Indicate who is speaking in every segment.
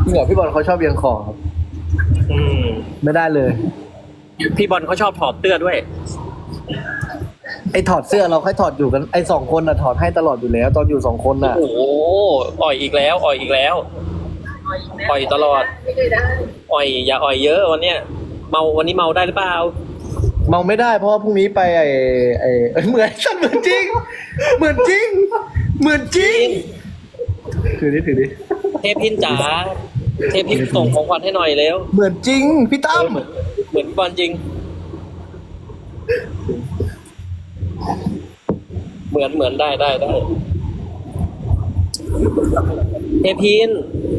Speaker 1: จริงเหรอพี่บอลเขาชอบเอียงคอครับ
Speaker 2: อืม
Speaker 1: ไม่ได้เลย
Speaker 2: พี่บอลเขาชอบถอดเสื้อด้วย
Speaker 1: ไอ้ถอดเสื้อเราค่อยถอดอยู่กันไอ้2 คนน่ะถอดให้ตลอดอยู่แล้ว ตอนอยู่2 คนน่ะ
Speaker 2: โอ้โหอ่อยอีกแล้ว อ่อยอีกแล้ว อ่อยตลอด อ่อยอย่าอ่อยเยอะวันเนี้ยเมาวันนี้เมาได้หรือเปล่า
Speaker 1: เมาไม่ได้เพราะว่าพรุ่งนี้ไปเหมือนฉันเหมือนจริง เหมือนจริง เหมือนจริงถือดิ
Speaker 2: เทพพินจ๋าเทพพินส่งของขวัญให้หน่อยเร็ว
Speaker 1: เหมือนจริงพี่ตั้ม
Speaker 2: เหมือนบอลจริง เหมือนได้เทพพิน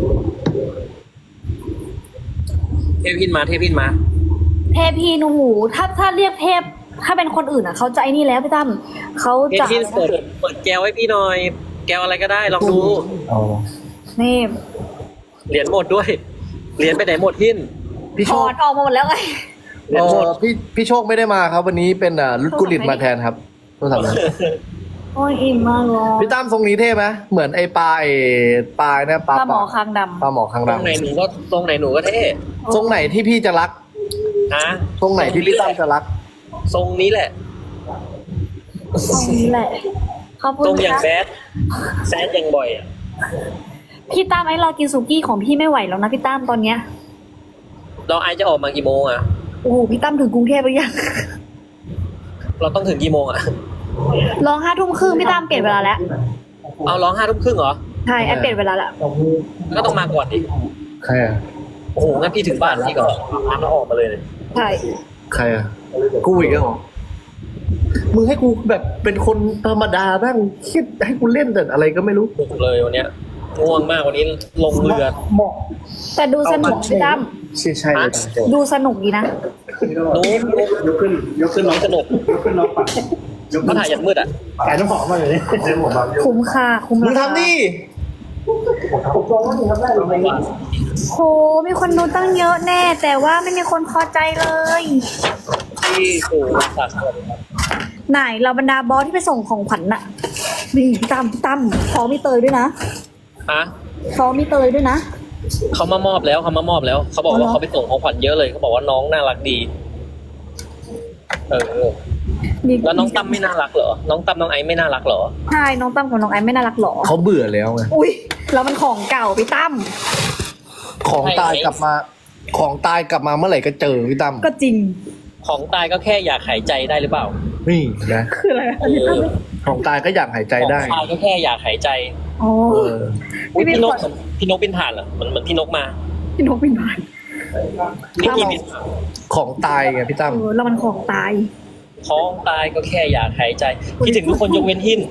Speaker 2: มา
Speaker 3: เทพีนหูถ้าเรียกเทพถ้าเป็นคนอื่นอ่ะเขาจะไอ้นี่แล้วพี่ตั้มเขา
Speaker 2: เทพ
Speaker 3: จะ
Speaker 2: พินเปิดแก้วให้พี่หน่อย แก้วอะไรก็ได้ลองดู
Speaker 1: อ๋อ
Speaker 3: นี่
Speaker 2: เหรียญหมดด้วย เหรียญไปไหนหมดพิน
Speaker 1: พี่
Speaker 3: ถ
Speaker 1: โช
Speaker 3: อ
Speaker 1: ค
Speaker 3: ดออกมาหมดแล้วไง
Speaker 2: เหรียญหมด
Speaker 1: พี่โชคไม่ได้มาครับ วันนี้เป็นรุดกุลิตมาแทนครับโทรศัพท์นะ
Speaker 3: โอ้ยอิ่มมากเลย
Speaker 1: พี่ตั้มทรงนี้เท่ไหมเหมือนไอ้ปลาเนี่ยปลา
Speaker 3: ปลาหมอคางด
Speaker 1: ปลาหมอคาง
Speaker 2: ตรงไหน
Speaker 1: ดำ
Speaker 2: หนูก็ตรงไหนหนูก็เท่
Speaker 1: ทรงไหนที่พี่จะรัก
Speaker 2: ฮะ
Speaker 1: ทรงไหนที่พี่ตั้มจะรัก
Speaker 2: ทรงนี้แหละ
Speaker 3: ำตรงนี้แหละขอบคุ
Speaker 2: ทร
Speaker 3: ณ
Speaker 2: งอย่าง
Speaker 3: ค่ะ
Speaker 2: แซดอย่างบ่อยอะ
Speaker 3: พี่ตั้มไอ้เรากินสุกี้ของพี่ไม่ไหวแล้วนะพี่ตั้มตอนเนี้ย
Speaker 2: เราไอจะออกมากี่โมงอะ
Speaker 3: โอ้โหพี่ตั้มถึงกรุงเทพหรือยัง
Speaker 2: เราต้องถึงกี่โมงอะ
Speaker 3: ร้อง5 ทุ่มครึ่งพี่ตั้มเปลี่ยนเวลาแล้ว
Speaker 2: เอาร้อง5 ทุ่มครึ่งเหรอ
Speaker 3: ใช่ไอ้เปลี่ยนเวลาแล้ว
Speaker 2: ก็ต้องมาก่อนดิ
Speaker 1: ใครอ่ะ
Speaker 2: โอ้โหงั้นพี่ถึงบ้านพี่ก็อาบน้ำแล้วออกมาเลย
Speaker 3: ใช่
Speaker 1: ใครอ่ะกูอีกแล้วเหรอมึงให้กูแบบเป็นคนธรรมดาบ้างคิดให้กูเล่นแต่อะไรก็ไม่รู้
Speaker 2: บุกเลยวันเนี้ยง่วงมากวันนี้ลงเรือ
Speaker 1: เหมาะ
Speaker 3: แต่ดูสนุกพี่ตั้ม
Speaker 1: ใช่เลย
Speaker 3: ดูสนุกดีนะ
Speaker 2: นุ๊ก
Speaker 4: ยกขึ้นน้อง
Speaker 2: สนุก
Speaker 4: ยกขึ้นน้องปัด
Speaker 2: เขาถ่ายยันมืดอะ
Speaker 4: ขายน้ำหอมมาเลยนี่เต็มหมดบาง
Speaker 3: คุ้มค่าคุ้ม
Speaker 1: มึง
Speaker 3: ราคา
Speaker 1: ทำนี่
Speaker 4: ผมลองว่ามึงทำได้หรือไม่
Speaker 3: โหมีคนดูตั้งเยอะแน่ แต่ว่าไม่มีคนพอใจเลย
Speaker 2: ที่สู่สาขา
Speaker 3: ไหนเราบรรดาบอสที่ไปส่งของขวัญน่ะนี่พี่ตั้มฟ้องมีเตยด้วยนะ
Speaker 2: ฮะ
Speaker 3: ฟ้องมีเตยด้วยนะ
Speaker 2: เขามามอบแล้วเขาบอกว่าเขาไปส่งของขวัญเยอะเลยเขาบอกว่าน้องน่ารักดีแล้วน้องตั้มไม่น่ารักเหรอน้องตั้มน้องไอซ์ไม่น่ารักเหรอ
Speaker 3: ใช่น้องตั้มกับน้องไอซ์ไม่น่ารักหรอ
Speaker 1: เขาเบื่อแล้วไง
Speaker 3: อุ้ยแล้วมันของเก่าพี่ตั้ม
Speaker 1: ของตายกลับมา ของตายกลับมาเมื่อไหร่ก็เจอพี่ตั้ม
Speaker 3: ก็จริง
Speaker 2: ของตายก็แค่อยากหายใจได้หรือเปล่า
Speaker 1: นี่นะ
Speaker 3: คืออะไร
Speaker 2: เออ
Speaker 1: ของตายก็อยากหายใจได้
Speaker 2: ของตายก็แค่อยากหายใจ
Speaker 3: อ๋อ
Speaker 1: เออ
Speaker 2: อุ๊ย
Speaker 3: พี่
Speaker 2: พี่นก
Speaker 3: ขวัญ
Speaker 2: พี่นกบินผ่านเหรอเหมือนพี่นกมา
Speaker 3: พี่นกเป็นบ้าน
Speaker 2: นิกกี้บินผ่าน
Speaker 1: ของตายไงพี่ตั้ม
Speaker 3: แล้วมันของตาย
Speaker 2: ของตายก็แค่อยากหายใจคิดถึงทุกคนยกเว้นหิน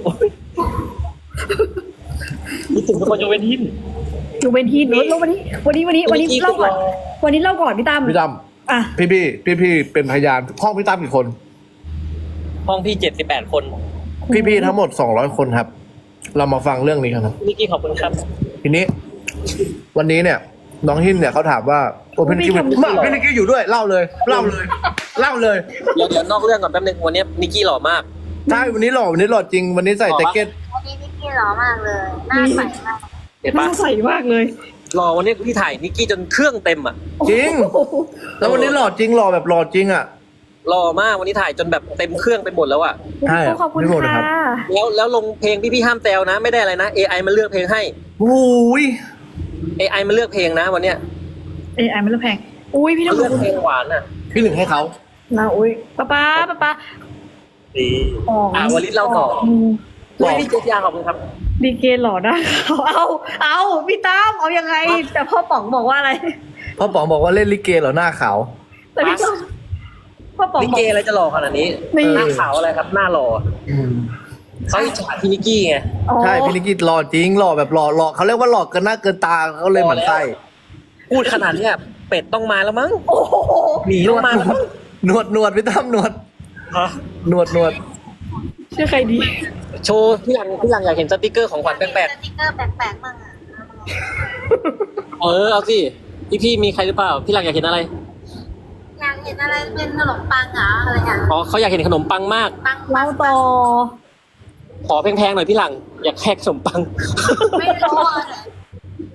Speaker 2: คิดถึงทุกคนยกเว้นหิน
Speaker 3: อยู่เป็นที่แล้ววันนี้เล่าก่อนวันนี้เล่าก่อนพี่ตั้ม
Speaker 1: พี่ตั้ม
Speaker 3: อ่ะ
Speaker 1: พี่เป็นพยานห้องพี่ตั้มกี่คน
Speaker 2: ห้องพี่78 คน
Speaker 1: พี่ทั้งหมด200 คนครับ เรามาฟังเรื่องนี้กันครับ
Speaker 2: นิกกี้ขอบคุณครับ
Speaker 1: ทีนี้ วันนี้เนี่ย น้องหินเนี่ยเขาถามว่าโอ้พี่นิกกี้พี่นิกกี้อยู่ด้วยเล่าเลย
Speaker 2: เดี๋ยวนอกเรื่องก่อนแป๊บนึงวันนี้นิกกี้หล่อมาก
Speaker 1: ใช่วันนี้หล่อจริง วันนี้ใส่แจ็คเก็ต
Speaker 5: วันนี้นิกกี้หล่อมากเลย หน้าใสมาก
Speaker 2: เห็น
Speaker 3: น่า
Speaker 2: ปะ
Speaker 3: ใส่มากเลย
Speaker 2: หล่อวันนี้พี่ถ่ายนิกกี้จนเครื่องเต็มอ่ะ
Speaker 1: จริง แล้ววันนี้หล่อจริงหล่อแบบหล่อจริงอ่ะ
Speaker 2: หล่อมากวันนี้ถ่ายจนแบบเต็มเครื่องไปหมดแล้วอ่ะ
Speaker 1: ใช่อะ
Speaker 3: ขอบคุณ
Speaker 1: ไม่หมดนะครับ
Speaker 3: ค่ะ
Speaker 2: แล้วลงเพลงพี่ห้ามแซวนะ ไม่ได้อะไรนะ AI มันเลือกเพลงให้
Speaker 1: โอ้ย
Speaker 2: AI มันเลือกเพลงนะวันเนี้ย
Speaker 3: เอ้ยไม่รู้แพงอุ้ยพี่
Speaker 2: มั
Speaker 3: น้
Speaker 2: น
Speaker 3: อง
Speaker 2: เลือกเพลงหวานอ่ะ
Speaker 1: พี่หนึ่งให้เขา
Speaker 3: นะอุ้ยป้า
Speaker 2: ดี
Speaker 3: อ๋อ
Speaker 2: วันนี้เราต่อ
Speaker 3: ม
Speaker 2: อุ้ยพี่เจษยาขอบคุณครับ
Speaker 3: ดีเกหล่อได้เอาพี่ตั้มเอายังไง แต่พ่อป๋องบอกว่าอะไร
Speaker 1: พ่อป๋องบอกว่าเล่นลิเกเหรอหน้าขาว
Speaker 3: แต่พี่ตั้มพ่อป๋อง
Speaker 2: นิก
Speaker 3: บอก
Speaker 2: เกอะไรจะหล่อขนาดนี้
Speaker 3: นี่
Speaker 2: หน้าขาวอะไรครับหน้าหล่อเขาอิจฉาพี่นิกกี้ไง
Speaker 3: อ๋อ
Speaker 1: ใช่พี่นิกกี้หล่อจริงหล่อแบบหล่อเขาเรียกว่าหล่อเกินหน้าเกินตาเขาเลยหมั่นไส้
Speaker 2: พูดขนาดเนี้ยเป็ดต้องมาแล้วมั้ง
Speaker 3: โอ้โห
Speaker 2: หมีต้องมาแล้วมั้ง
Speaker 1: หนวดพี่ตั้มหนวด หนวด
Speaker 3: ชื่อใครดี
Speaker 2: โชว์พี่หลังอยากเห็นสติกเกอร์ของขวัญแปลก
Speaker 5: สติ๊กเกอร์แปลกๆมั่งอ่ะ
Speaker 2: ๆเอาสิพี่มีใครหรือเปล่าพี่หลังอยากเห็นอะไร
Speaker 5: อยากเห็นอะไรเป็นขนมปังเหรออะไรอย่าง
Speaker 2: อ๋อเขาอยากเห็นขนมปังมาก
Speaker 5: ปัง
Speaker 3: เล่าต่อ
Speaker 2: ขอแพงๆหน่อยพี่หลังอยากแค่ขนมปัง
Speaker 5: ไม่รู้อะ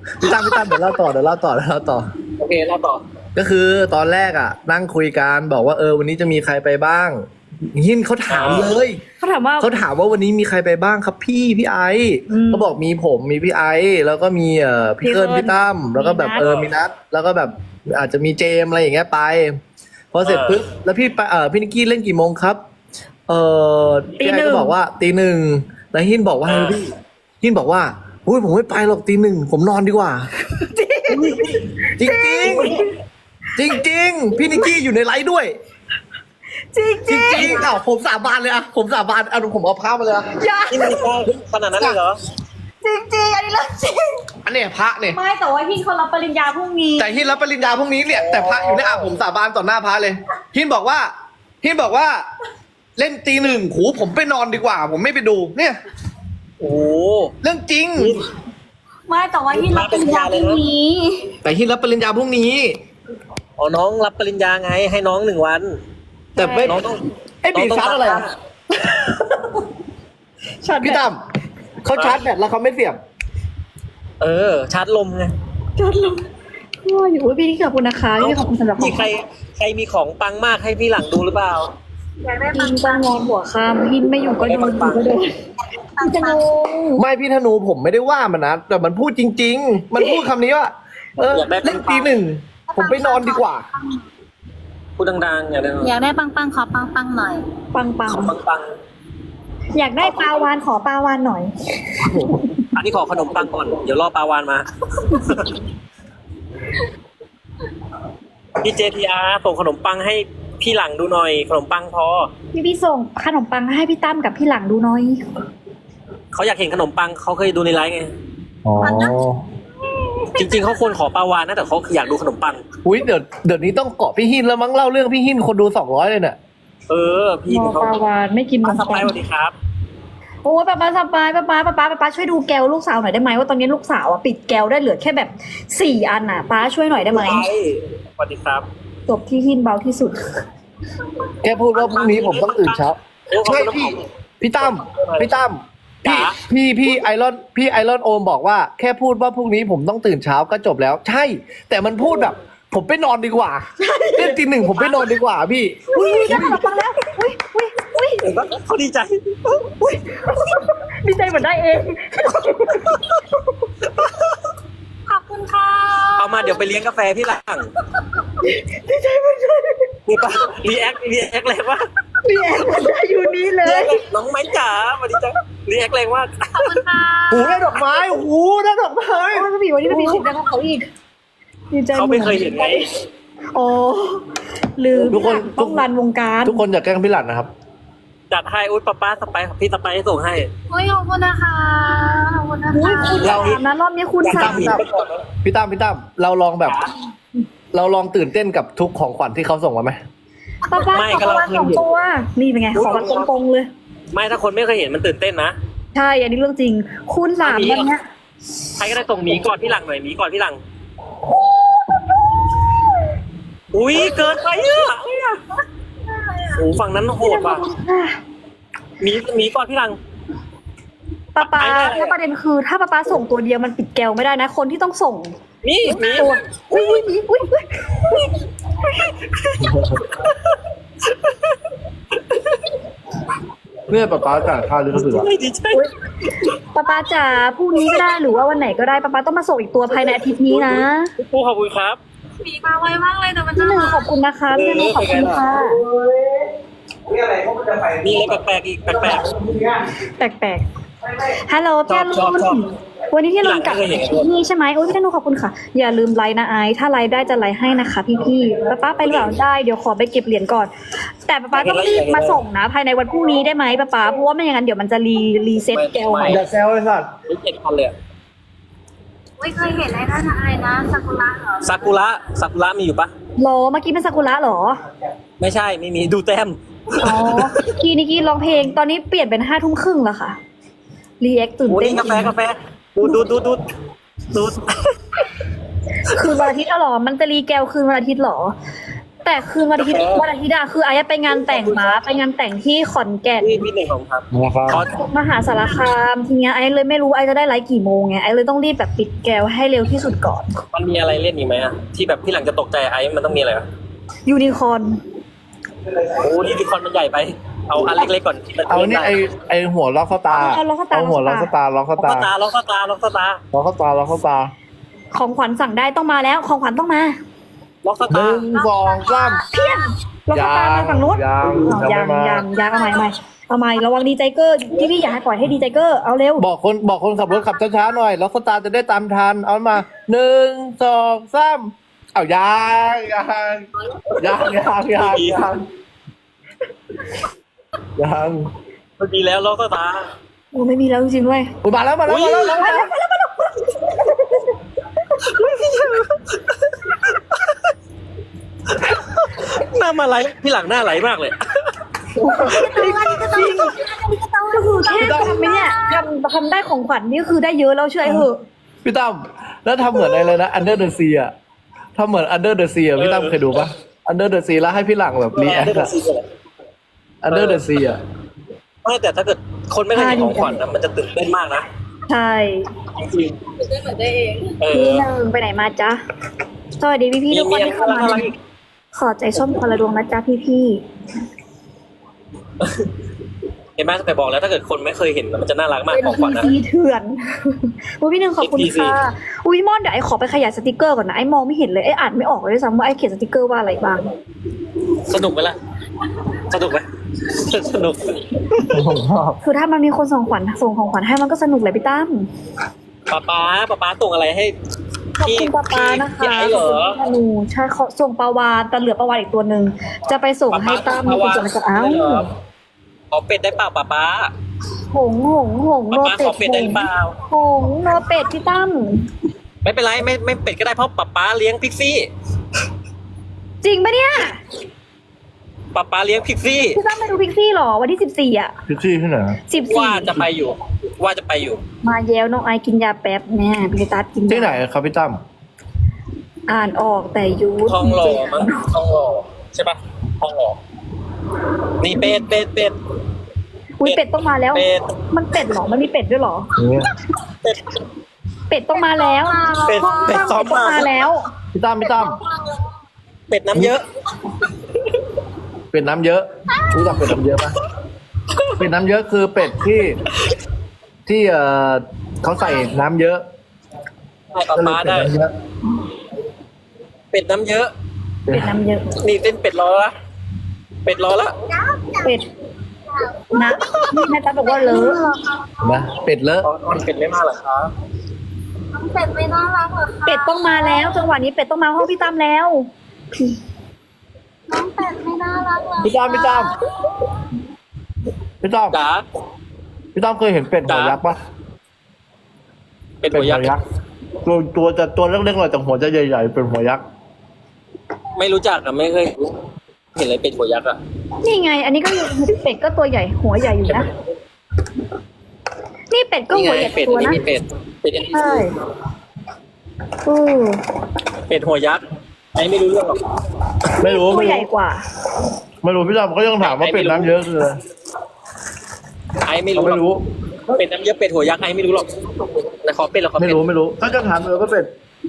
Speaker 1: พี่ตั้มเดี๋ยวเล่าต่อ
Speaker 2: โอเคเราต่อ
Speaker 1: ก็คือตอนแรกอ่ะ นั่งคุยกันบอกว่าวันนี้จะมีใครไปบ้างหินเขาถามเลย
Speaker 3: เขาถามว่า
Speaker 1: วันนี้มีใครไปบ้างครับพี่ไอซ์
Speaker 3: อืม
Speaker 1: เขาบอกมีผมมีพี่ไอซ์แล้วก็มีพี่เกิน
Speaker 3: พี่เกิ้ล
Speaker 1: พี่ตั้มแล้วก็แบบ
Speaker 3: มีนัท
Speaker 1: มีนัทแล้วก็แบบอาจจะมีเจมส์อะไรอย่างเงี้ยไปพอเสร็จปุ๊บแล้วพี่ไปพี่นิกกี้เล่นกี่โมงครับพี่ไอซ์ก็บอกว่าตีหนึ่งแล้วหินบอกว่าอะไรพี่หินบอกว่าอุ้ยผมไม่ไปหรอกตีหนึ่งผมนอนดีกว่า จริงจริงพี่นิกกี้อยู่ในไลฟ์ด้วย
Speaker 3: จริง
Speaker 1: จริงอ้าวผมสาบานเลยอะผมสาบานผมเอาภาพมาเลยอะ
Speaker 3: อย่า
Speaker 2: นี่มันได้ขนาดนั้นเลยเหรอ
Speaker 3: จริงอันนี้เรื่องจริง
Speaker 1: อันเนี้ยพระเนี่ย
Speaker 3: ไม่แต่ว่าพี่เขารับปริญญาพรุ่งนี้
Speaker 1: แต่หินรับปริญญาพรุ่งนี้เนี่ยแต่พระอยู่ในผมสาบานต่อหน้าพระเลยหินบอกว่าเล่นตีหนึ่งหูผมไปนอนดีกว่า ผมไม่ไปดูเนี่ย
Speaker 2: โอ้โห
Speaker 1: เรื่องจริง
Speaker 3: ไม่แต่ว่าพี่รับปริญญาพรุ่งนี้
Speaker 1: แต่หินรับปริญญาพรุ่งนี้
Speaker 2: อ๋อน้องรับปริญญาไงให้น้อง1 วัน
Speaker 1: แต่ไม่
Speaker 2: น้องต้อง
Speaker 1: ไอ้บีชาร์จอะไรอะ
Speaker 3: ชาร์จ
Speaker 1: พี่ตั้มเขาชาร์จแบตแล้วเขาไม่เสียบ
Speaker 2: ชาร์จลมไง
Speaker 3: ชาร์จลงว่าอยู่พี่นี่ขอบคุณนะคะพี่ขอบคุณสำหรับขอ
Speaker 2: มี
Speaker 3: ง
Speaker 2: ใครมีของปังมากให้พี่หลังดูหรือเปล่า
Speaker 5: อยากได้
Speaker 3: พินต้องนอนหัวค่ำพินไม่อยู่ก็โดนอยู่ก็โดนพี่จะงง
Speaker 1: ไม่พี่ธนูผมไม่ได้ว่ามันนะแต่มันพูดจริง ๆ มันพูดคำนี้ว่าเล่นตีหนึ่งผมไปนอนดีกว่า
Speaker 2: พูดดังๆอย่าได้
Speaker 5: อยากได้ปังขอปังหน่อย
Speaker 3: ปัง
Speaker 2: ของปัง
Speaker 3: อยากได้ปลาวานขอปลาวานหน่อย
Speaker 2: ๆอันนี้ขอขนมปังก่อนเดี๋ยวรอปลาวานมาพี่ JTR ส่งขนมปังให้พี่หลังดูหน่อยขนมปังพอ
Speaker 3: พี่ส่งขนมปังให้พี่ตั้มกับพี่หลังดูหน่อย
Speaker 2: เขาอยากเห็นขนมปังเขาเคยดูในไลฟ์ไง
Speaker 1: อ๋อ
Speaker 2: จริงๆเขาควรขอปลาวานนะแต่เขาอยากดูขนมปัง
Speaker 1: อุ้ยเดี๋ยวนี้ต้องเกาะพี่หินแล้วมั้งเล่าเรื่องพี่หินคนดู200เลยเนี่ย
Speaker 2: พี่
Speaker 3: รอ
Speaker 2: เขา
Speaker 3: ปลาวานไม่กิน
Speaker 2: มา
Speaker 3: นม
Speaker 2: ส
Speaker 3: ปั
Speaker 2: บาย
Speaker 3: ง
Speaker 2: สวัสดีครับ
Speaker 3: โอ้ป้าสบายป้าช่วยดูแก้วลูกสาวหน่อยได้ไหมว่าตอนนี้ลูกสาวอ่ะปิดแก้วได้เหลือแค่แบบ4 อันอ่ะป้าช่วยหน่อยได้ไหม
Speaker 2: สวัสดีครับ
Speaker 3: จบที่หินเบาที่สุด
Speaker 1: แกพูดว่าพรุ่งนี้ผมต้องตื่นเช้าใช่พี่ตั้มพี่ไอรอนโอมบอกว่าแค่พูดว่าพรุ่งนี้ผมต้องตื่นเช้าก็จบแล้ว ใช่ แต่มันพูดแบบ ผมไปนอนดีกว่าเล่นตีหนึ่งผมไปนอนดีกว่าพี่
Speaker 3: อุ้ยได้ขนมปังแล้วอุ้ย
Speaker 2: เห็นปะเขาดีใจ
Speaker 3: ดีใจเหมือนได้เอง
Speaker 5: ขอบคุณค่ะ
Speaker 2: เอามาเดี๋ยวไปเลี้ยงกาแฟพี่หลัง
Speaker 3: ดีใจเหมือนกัน
Speaker 2: นี่ปะรีแอคแรงมาก
Speaker 3: พี่แอนมันได้อยู่นี่เลย
Speaker 2: น้องไม้จ๋าสวัสดีจ้ารีแอคแรงมาก
Speaker 5: ขอบคุณค่ะ
Speaker 1: หูได้ดอกไม้หูได้ดอกไม้
Speaker 3: โอ้ยพี่วันนี้พี่เสียงดังกว่าเขาอีกดีใจ
Speaker 2: เขาไม่เคยเห็นไง
Speaker 3: โอ้ลืมต้องรันวงการ
Speaker 1: ทุกคนอย่าแกล้งพี่หลันนะครับ
Speaker 2: จัดให้อุ้ยป้าสไปพี่สไปให้ส่งให้
Speaker 5: โอ้ยขอบคุณนะคะขอบคุณนะ
Speaker 3: อุ้ย
Speaker 5: คะ
Speaker 3: คุณสามนะรอบนี้คุณสาม
Speaker 1: พี่ตั้มเราลองแบบ เราลองตื่นเต้นกับทุกของขวัญที่เขาส่งมาไหม
Speaker 3: ป้าขอประมาณ2 ตัวนี่เป็นไงขอวันตรงๆเลย
Speaker 2: ไม่ถ้าคนไม่เคยเห็นมันตื่นเต้นนะ
Speaker 3: ใช่อันนี้เรื่องจริง คุณ3วันเนี้ย
Speaker 2: ใครก็ได้ส่งหมีก่อนพี่หลังหน่อยหมีก่อนพี่หลัง อุ้ยเกินไปอ่ะโอ้ฝั่งนั้นโหดว่ะหมีก่อนพี่หลัง
Speaker 3: ป้าถ้าประเด็นคือถ้าป้าส่งตัวเดียวมันปิดแก้วไม่ได้นะ คนที่ต้องส่ง
Speaker 2: นี่หมี
Speaker 3: ตัวอุ้ย
Speaker 1: เนี่ยป๊าจ่ายค่าลิขสิทธิ์อะ
Speaker 2: ไม่ดีใจ
Speaker 3: ป้าจ๋าพรุ่งนี้ก็ได้หรือว่าวันไหนก็ได้ป้าต้องมาส่งอีกตัวภายในอาทิตย์นี้นะ
Speaker 2: ครูขอบคุณครับ
Speaker 5: มีมาไวมากเลยแต่มัน
Speaker 3: พี่
Speaker 5: น่า
Speaker 3: หนึ่ง
Speaker 5: รัก
Speaker 3: ขอบคุณนะคะพี่หนึ่งขอบคุณค่ะ
Speaker 2: มีอะไรแปลกๆอีกแปลก
Speaker 3: แปลกๆฮัลโหลพี่อรุ
Speaker 2: ชอบ
Speaker 3: ณวันนี้พี่อรุณกลับที่นี่ใช่ไหมโอ้ยพี่ธนูขอบคุณค่ะ อย่าลืมไลน์นะไอซ์ถ้าไลน์ได้จะไลน์ให้นะคะพี่ป้าไปหรือเปล่าได้เดี๋ยวขอไปเก็บเหรียญก่อน แต่ป้าต้องรีบมาส่งนะภายในวันพรุ่งนี้ได้ไหมป้าเพราะว่าไม่อย่างนั้นเดี๋ยวมันจะรีเซ็ตแก้วใหม่
Speaker 1: อย่าแซวเลยสัตว์
Speaker 2: ๆนี่7,000เลยอะ
Speaker 5: ไม่เคยเห็นอะไรนะซากุระเหรอ
Speaker 2: ซากุระมีอยู่ปะ
Speaker 3: หรอเมื่อกี้เป็นซากุระหรอ
Speaker 2: ไม่ใช่ไม่มีดูแต้ม
Speaker 3: อ๋อนิกกี้ร้องเพลงตอนนี้เปลี่ยนเป็น5 ทุ่มครึ่งแล้วค่ะรีแอคตื่น
Speaker 2: โอ้
Speaker 3: เต้น
Speaker 2: นี่กาแฟดู
Speaker 3: คืนวันอาทิตย์เหรอมันจะรีแก้วคืนวันอาทิตย์เหรอแต่คืนวันอาทิตย์อะคือไอ้ไปงานแต่งมาไปงานแต่งที่ขอนแก่น
Speaker 2: พี่หนึ่งของครับ
Speaker 1: นะครับ
Speaker 2: ขอ
Speaker 3: มหาสารคามทีเนี้ยไอ้เลยไม่รู้ไอ้จะได้ไลฟ์กี่โมงไงไอ้เลยต้องรีบแบบปิดแก้วให้เร็วที่สุดก่อน
Speaker 2: มันมีอะไรเล่นอีกไหมอะที่แบบพี่หลังจะตกใจไอ้มันต้องมีอะไรอะ
Speaker 3: ยูนิคอร์น
Speaker 2: โอ้นี่ที่คอนมันใหญ่ไป เอาอันเล็กๆก่อนที่มัน
Speaker 1: เอานี่
Speaker 2: ล่ได้
Speaker 1: ไอหัวล็อกเข้าตา
Speaker 3: เอาล็อกเข้าตา
Speaker 1: เอาหัวล็อกเข้าตาล็อกเข้า
Speaker 2: ล็อก
Speaker 1: ตา
Speaker 2: เข้าตาล็อกเข้าตาล็อกเข้าตา
Speaker 1: ล็อกเข้าตาล็อกเข้าตา
Speaker 3: ของขวัญสั่งได้ต้องมาแล้วของขวัญต้องมา
Speaker 2: ล็อกเข้า
Speaker 1: ห
Speaker 2: ตา
Speaker 1: นึ่งสองสาม
Speaker 3: ล็อกเข้าตามาฝั่งนู้น
Speaker 1: ยัง
Speaker 3: เอายัง
Speaker 1: ไม่มา
Speaker 3: ยังเอาใหม่เอาใหม่ระวังดีใจเกอร์พี่อยากให้ปล่อยให้ดีใจเกอร์เอาเร็ว
Speaker 1: บอกคนขับรถขับช้าๆหน่อยล็อกเข้าตาจะได้ตามทันเอามาหนึ่งสองสามเอายัง
Speaker 2: มันมีแล้วล็อกเข้าตา
Speaker 3: โอ้ไม่มีแล้วจริงๆด้วย
Speaker 1: อุ๊ยมาแล้ว
Speaker 2: หน้ามาไหลพี่หลังหน้าไหลมากเลย
Speaker 3: ก็คือแค่ทำไหมเนี่ยทำได้ของขวัญนี่คือได้เยอะแล้วเชื่อไอ้เหอะ
Speaker 1: พี่ตั้มแล้วทำเหมือนอะไรนะ Under the Sea อะทำเหมือน Under the Sea อะพี่ตั้มเคยดูปะ Under the Sea แล้วให้พี่หลังแบบรีแอคอะ Under the Sea อะ
Speaker 2: ไม่แต่ถ้าเกิดคนไม่เคยเห็นของขวัญนะมันจะตื่นเต้นมากนะ
Speaker 3: ใช่
Speaker 2: จริง
Speaker 5: ได้เหมือนได้เอง
Speaker 2: ๆเอ
Speaker 3: พี่
Speaker 2: อ
Speaker 3: หนึ่งไปไหนมาจ๊ะสวัสดีพี่ๆทุกคนที่เข้ามา
Speaker 2: อะไรอีก
Speaker 3: ขอใจส้มคนละดวงนะจ๊ะพี่
Speaker 2: เห็นไหมไปบอกแล้วถ้าเกิดคนไม่เคยเห็นมันจะน่ารัก
Speaker 3: ๆ
Speaker 2: มาก
Speaker 3: เป็น
Speaker 2: ของขวัญนะ
Speaker 3: พีซีเถื่อน อุ้ยพี่หนึ่งขอบคุณ
Speaker 2: NPC
Speaker 3: ค่ะอุ้ยมอนเดี๋ยวไอ้ขอไปขยายสติกเกอร์ก่อนนะไอ้มองไม่เห็นเลยไอ้อ่านไม่ออกเลยด้วยซ้ำว่าไอ้เขียนสติกเกอร์ว่าอะไรบ้าง
Speaker 2: สนุกไหมล่ะสนุกไหมสนุก
Speaker 1: ผมชอบ
Speaker 3: คือถ้ามันมีคนส่งของขวัญให้มันก็สนุกเลยพี่ตั้ม
Speaker 2: ป๊าส่งอะไรให้
Speaker 3: ขอบคุณป้าป้านะคะ
Speaker 2: พี่ไอ้เหรอ
Speaker 3: ขอบคุณธนูใช่เขาส่งปลาวานแต่เหลือปลาวานอีกตัวหนึ่งจะไปส่งให้ตั้มมีคนส่งมาจากอ้าว
Speaker 2: ขอเป็ดได้เปล่าป๊า
Speaker 3: หงโน
Speaker 2: ป๊า
Speaker 3: เป็
Speaker 2: ข
Speaker 3: ด
Speaker 2: อเป็ดได้เปล่า
Speaker 3: หงโนเป็ดพี่ตั้ม
Speaker 2: ไม่เป็นไรไม่เป็ดก็ได้เพราะป๊าเลี้ยงพิกซี่
Speaker 3: จริงปะเนี่ย
Speaker 2: ป๊าเลี้ยงพิกซี่
Speaker 3: พี่ตั้มไปดูพิกซี่หรอวันที่14 อ่ะ
Speaker 1: พิกซี่ที่ไหนอะ
Speaker 2: ว่าจะไปอยู่
Speaker 3: มาแย้วน้องไอกินยาแป๊บแน่พี่ตัดกินยา
Speaker 1: ที่ไหนครับพี่ตั้ม
Speaker 3: อ่านออกแต่ยู
Speaker 2: ทองหล่อมั้งทองหล่อใช่ปะทองหล่อนี่เป็ด
Speaker 3: อุ้ยเป็ดต้องมาแล้ว
Speaker 2: เป็ด
Speaker 3: มันเป็ดหรอมันมีเป็ดด้วยหรอ
Speaker 1: เนี่ย
Speaker 2: เป็ด
Speaker 3: เป็ดต้องมาแล้ว
Speaker 2: เป็ดซ้อม
Speaker 3: ต้อง
Speaker 2: มา
Speaker 3: มาแล้ว
Speaker 1: พี่ตั้ม
Speaker 2: เป็ดน้ำเยอะ
Speaker 1: เป็ดน้ำเยอะรู้จักเป็ดน้ำเยอะปะเป็ดน้ำเยอะคือเป็ดที่เขาใส่น้ำเยอะ
Speaker 2: ให้
Speaker 1: ก็เลย
Speaker 2: ป๊า
Speaker 1: เป็ด
Speaker 2: ได้
Speaker 1: น้ำเยอะ
Speaker 2: เป็ดน้ำเยอะ
Speaker 3: เป็ดน้ำเยอะ
Speaker 2: นี่เต้นเป็ดรอละเป็ดรอละ
Speaker 3: เป็ดนะนี่นะจ๊ะบอกว่าเลอะ
Speaker 1: นะเป็ดเลอะ
Speaker 2: อ๋อเป็ดไม่มาเหรอครับ
Speaker 5: น้องเป็ดไม่น่ารักเหรอคะ
Speaker 3: เป็ดต้องมาแล้วจังหวะนี้เป็ดต้องมาห้องพี่ตั้มแล้ว
Speaker 5: น้องเป็ดไม่น่ารักเหรอ
Speaker 1: พี่ตั้มพี่ตั้ม
Speaker 2: จ๋า
Speaker 1: พี่ตั้มเคยเห็นเป็ดหัวยักษ์ปะ
Speaker 2: เป็ดหัวยักษ์
Speaker 1: ตัวเล็กๆหน่อยแต่หัวจะใหญ่ๆเป็นหัวยักษ์
Speaker 2: ไม่รู้จักอะไม่เคยเห็นเลยเป็ดหัวยักษ์อะ
Speaker 3: นี่ไง อันนี้ก็เป็ดก็ตัวใหญ่หัวใหญ่อยู่นะนี่เป็ดก็
Speaker 2: นี่
Speaker 3: หัว
Speaker 2: ไง
Speaker 3: ใหญ่
Speaker 2: เป็ด
Speaker 3: ตัว
Speaker 2: นี่
Speaker 3: นะ
Speaker 2: มีเป็ด
Speaker 3: ใช่อือ
Speaker 2: เป็ดหัวยักษ์ไอ้ไม่รู้เรื่องหรอก
Speaker 1: ไม่รู้
Speaker 3: ตัวใหญ่กว่า
Speaker 1: ไม่รู้พี่ตั้มก็ยังถามว่าเป็ดน้ำเยอะคืออะไร
Speaker 2: ไอ้ไม่รู้หร
Speaker 1: ไม่
Speaker 2: อก
Speaker 1: รู้
Speaker 2: เป็ดน้ำเยอะเป็ดหัวยักษ์ไอ้ไม่รู้หรอกนะขอเป็ดเหรอขอ
Speaker 1: ไม่
Speaker 2: เป็ด
Speaker 1: รู้ถ้าจะถามเลยก็เป็ด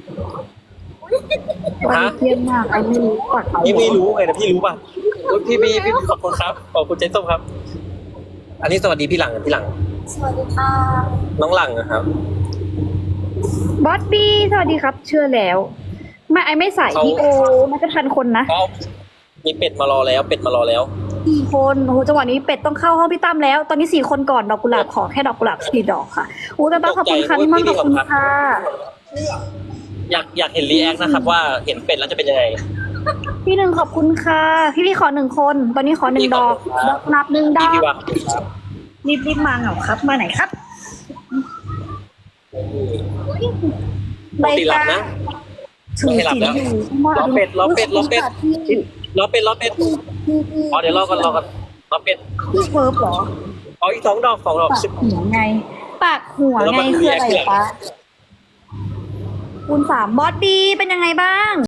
Speaker 3: วันนี้เที่ยงมากไอ้ไม่รู้ก่อน
Speaker 2: นี่ไม่รู้ไงแต่พี่รู้ป่ะโอ๊ยพี่ขอบคุณครับขอบคุณเจ๊ส้มครับ อันนี้สวัสดีพี่หลัง
Speaker 5: สวัสดีค่ะ
Speaker 2: น้องหลังนะครับ
Speaker 3: บอสบี้สวัสดีครับ เชื่อแล้วไม่ไอ้ไม่ใส่
Speaker 2: เขา
Speaker 3: พี่โอมันจะทันคนนะ
Speaker 2: ก็มีเป็ดมารอแล้วเป็ดมารอแล้ว
Speaker 3: 4 คนโอ้โหจังหวะนี้เป็ดต้องเข้าห้องพี่ตั้มแล้ว ตอนนี้4 คนก่อนดอกกุหลาบขอแค่ดอกกุหลาบ4 ดอกค่ะอู้แต่บ้าขอบคุณค่ะพี่มอนขอบคุณค่ะ
Speaker 2: อยากเห็นรีแอคนะครับว่าเห็นเป็ดแล้วจะเป็นยังไง
Speaker 3: พี่หนึ่งขอบคุณค่ะพี่ขอ1 คน ตอนนี้ขอ1 ดอก
Speaker 2: พี่ขอบคุณครับ
Speaker 3: ดอกนับ1 ดอก
Speaker 2: พี่ว่า
Speaker 3: รีบมาเหงาครับ มาไหนครับ
Speaker 2: ปกติหลับนะ
Speaker 3: ถือ
Speaker 2: ไม่หลับ
Speaker 3: ศีล
Speaker 2: แล้ว
Speaker 3: อยู่
Speaker 2: รอเป็ดรอเป็ดรอเป็ด
Speaker 3: พี่
Speaker 2: รอเป็ดอ๋อเดี๋ยวรอกันรอเป็ด
Speaker 3: พี่เฟิร์ฟเหรอ
Speaker 2: อ๋ออีก2 ดอก
Speaker 3: ปากหัวไง ปากหัวไงคืออะไรปะคูณ 3บอสดีเป็นยังไงบ้าง